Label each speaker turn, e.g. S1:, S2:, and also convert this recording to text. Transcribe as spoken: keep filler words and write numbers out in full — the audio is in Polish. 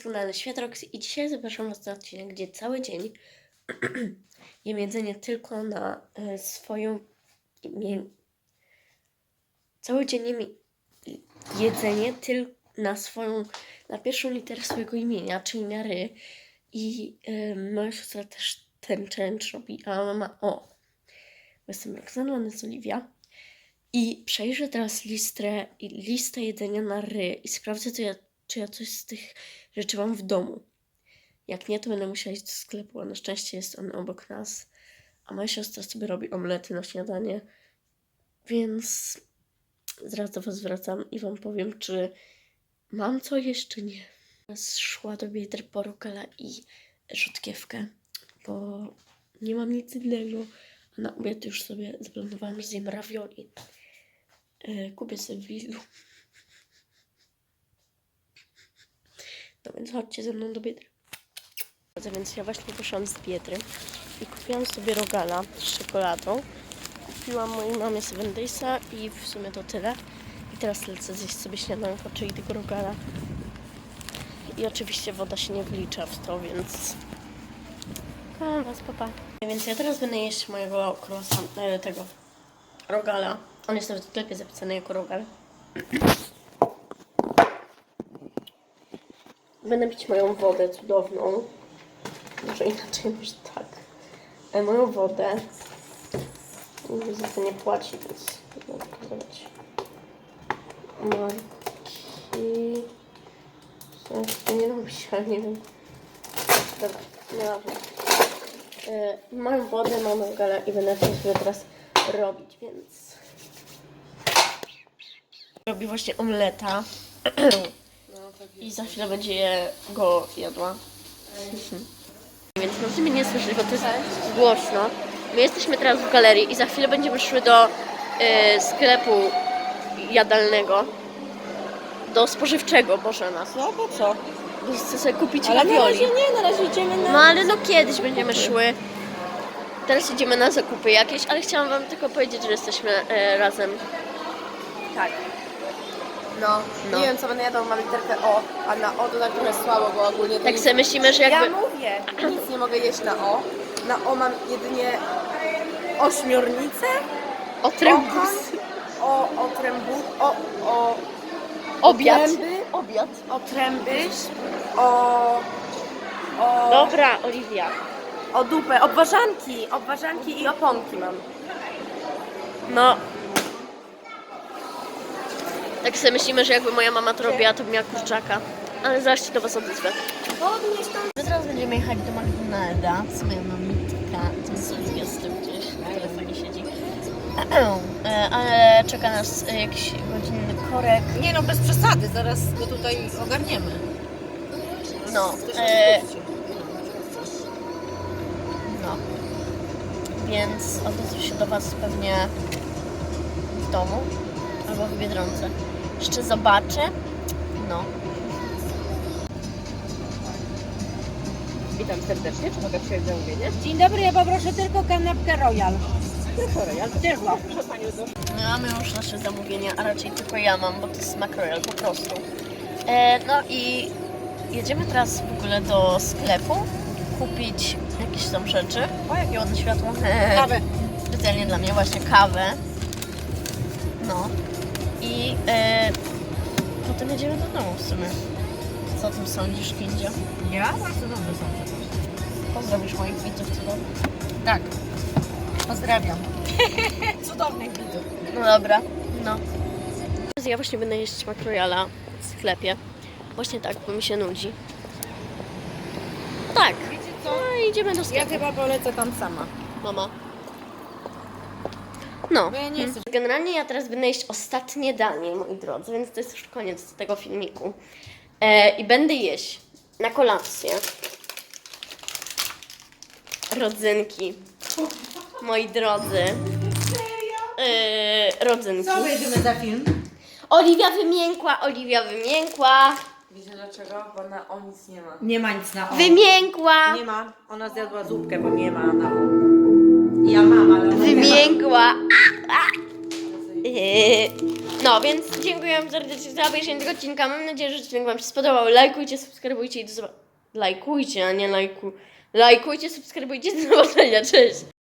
S1: Kanale Światrox i dzisiaj zapraszam Was na odcinek, gdzie cały dzień jem jedzenie tylko na y, swoją imię... Cały dzień jem jedzenie tylko na swoją, na pierwszą literę swojego imienia, czyli na ry. I y, moja siostra też ten challenge robi, a mama o. Jestem Roxana, ona jest Oliwia. I przejrzę teraz listę, listę jedzenia na ry i sprawdzę, co ja, czy ja coś z tych rzeczy mam w domu. Jak nie, to będę musiała iść do sklepu, a na szczęście jest on obok nas. A moja siostra sobie robi omlety na śniadanie. Więc zaraz do Was wracam i Wam powiem, czy mam co jeszcze nie. Teraz szła do Biedry po rukela i rzodkiewkę, bo nie mam nic innego. A na obiad już sobie zaplanowałam, że zjem ravioli. Yy, kupię sobie w Lidlu. No więc chodźcie ze mną do Biedry. Więc ja właśnie poszłam z Biedry i kupiłam sobie rogala z czekoladą. Kupiłam mojej mamie Seven Daysa i w sumie to tyle. I teraz lecę zjeść sobie śniadanko, czyli tego rogala. I oczywiście woda się nie wlicza w to, więc... Kocham Was, papa. Więc ja teraz będę jeść mojego croissant, tego rogala. On jest nawet w sklepie zapisany jako rogal. Będę pić moją wodę cudowną. Może inaczej, może tak. E, moją wodę. Nikt za to nie płaci, więc będę pokazywać. Marki. Co to nie robić, ale nie wiem. Dobra, nieważne. E, mam wodę, mam rogala i będę to sobie teraz robić, więc... Robię właśnie omleta. I za chwilę będzie je go jadła. Więc możecie mnie nie słyszeć, bo to jest głośno. My jesteśmy teraz w galerii i za chwilę będziemy szły do y, sklepu jadalnego. Do spożywczego, Boże nas.
S2: No po co?
S1: Bo chcę sobie kupić
S2: Ale na
S1: ravioli.
S2: razie nie, na razie idziemy na...
S1: No ale no kiedyś będziemy szły. Teraz idziemy na zakupy jakieś, ale chciałam Wam tylko powiedzieć, że jesteśmy y, razem.
S2: Tak.
S1: No, no.
S2: Nie wiem co będę jadła, mam literkę O, a na O to tak trochę słabo, bo ogólnie to
S1: Tak
S2: nic...
S1: sobie myślimy, że jakby...
S2: Ja mówię, nic nie mogę jeść na O. Na O mam jedynie ośmiornicę,
S1: Otrębus.
S2: o, otrębu, o, o,
S1: Obiad.
S2: otręby,
S1: Obiad.
S2: otręby, o, o,
S1: Dobra, Oliwia.
S2: o dupę, obwarzanki, obwarzanki i oponki mam.
S1: No. Tak sobie myślimy, że jakby moja mama to robiła, to by miała kurczaka. Ale zaraz się do Was odezwę.
S2: Podnieś tam.
S1: My teraz będziemy jechać do McDonalda z moją mamitka. To jest Oliwia z tym gdzieś w telefonie siedzi. E, Ale czeka nas e, jakiś godzinny korek.
S2: Nie no, bez przesady, zaraz go tutaj ogarniemy.
S1: No. E, no. Więc odezwę się do Was pewnie w domu albo w Biedronce. Jeszcze zobaczę. No.
S2: Witam serdecznie, czy mogę przyjąć zamówienie?
S3: Dzień dobry, ja poproszę tylko kanapkę Royal.
S2: Tylko Royal.
S3: Tylko.
S2: Proszę Panią do...
S1: My mamy już nasze zamówienia, a raczej tylko ja mam, bo to jest McRoyal po prostu. E, no i jedziemy teraz w ogóle do sklepu kupić jakieś tam rzeczy. O, jakie ładne światło.
S3: Kawę.
S1: Specjalnie dla mnie właśnie kawę. No. I e, potem jedziemy do domu w sumie. Co o tym sądzisz, Kindzio?
S3: Ja? Bardzo dobrze są.
S1: Pozdrowisz moich widzów cudownych.
S3: Tak. Pozdrawiam. Cudownych widzów.
S1: No dobra, no. Ja właśnie będę jeść McRoyala w sklepie. Właśnie tak, bo mi się nudzi. Tak.
S3: Wiecie co?
S1: No i idziemy do
S3: Ja
S1: sklepu.
S3: chyba polecę tam sama.
S1: Mama. No.
S3: Bo ja nie jestem.
S1: Generalnie ja teraz będę jeść ostatnie danie, moi drodzy, więc to jest już koniec tego filmiku. E, I będę jeść na kolację rodzynki. Moi drodzy. E, rodzynki.
S3: Co wejdziemy za film?
S1: Oliwia wymiękła, Oliwia wymiękła,
S2: Wiecie dlaczego? Bo na O nic nie ma.
S3: Nie ma nic na O.
S1: wymiękła,
S2: Nie ma. Ona zjadła zupkę, bo nie ma na O. Ja mam, ale ona nie ma.
S1: wymiękła. A, a. Yy, No, więc dziękuję wam serdecznie za obejrzenie tego odcinka. Mam nadzieję, że odcinek wam się spodobał. Lajkujcie, subskrybujcie i do zobaczenia. Lajkujcie, a nie lajku. Lajkujcie, subskrybujcie, do zobaczenia. Cześć!